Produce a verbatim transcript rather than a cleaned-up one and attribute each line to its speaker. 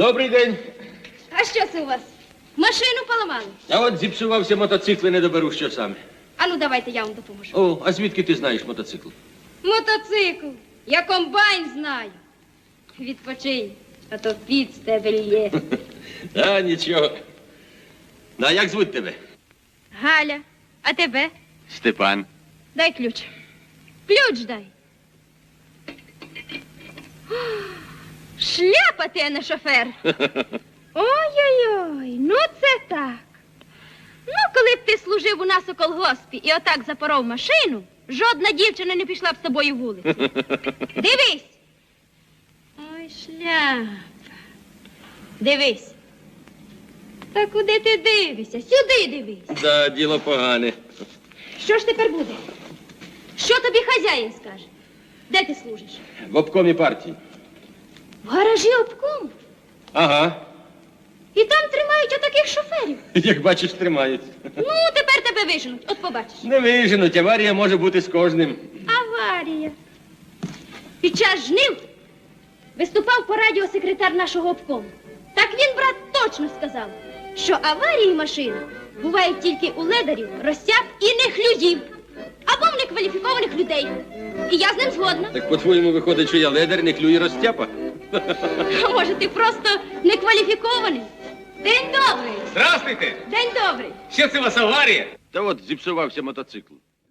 Speaker 1: Добрий день.
Speaker 2: А що це у вас? Машину поламали?
Speaker 1: А от зіпсувався мотоцикл і не доберу, що саме.
Speaker 2: А ну давайте я вам допоможу.
Speaker 1: О, а звідки ти знаєш мотоцикл?
Speaker 2: Мотоцикл. Я комбайн знаю. Відпочинь, а то піт з тебе лє.
Speaker 1: А, нічого. Ну, а як звуть тебе?
Speaker 2: Галя, а тебе?
Speaker 1: Степан.
Speaker 2: Дай ключ. Ключ дай. О, шляпа ти, а не шофер. Ой-ой-ой, ну це так. Ну, коли б ти служив у нас у колгоспі і отак запоров машину, жодна дівчина не пішла б з тобою вулицю. Дивись. Ой, шляпа. Дивись. Та куди ти дивишся? Сюди дивись.
Speaker 1: Да, діло погане.
Speaker 2: Що ж тепер буде? Що тобі хазяїн скаже? Де ти служиш?
Speaker 1: В обкомі партії.
Speaker 2: В гаражі обкому.
Speaker 1: Ага.
Speaker 2: І там тримають отаких шоферів.
Speaker 1: Як бачиш, тримають.
Speaker 2: Ну, тепер тебе виженуть, от побачиш.
Speaker 1: Не виженуть, аварія може бути з кожним.
Speaker 2: Аварія. Під час жнив виступав по радіо секретар нашого обкому. Так він, брат, точно сказав, що аварії машин бувають тільки у ледарів, розсяг і нехлюдів. Або в некваліфікованих людей. І я з ним згодна.
Speaker 1: Так по-твоєму виходить, що я ледар, не клює розтяпа?
Speaker 2: А може, ти просто некваліфікований? День добрий.
Speaker 1: Здравствуйте!
Speaker 2: День добрий.
Speaker 1: Що це у вас аварія? Та от зіпсувався мотоцикл.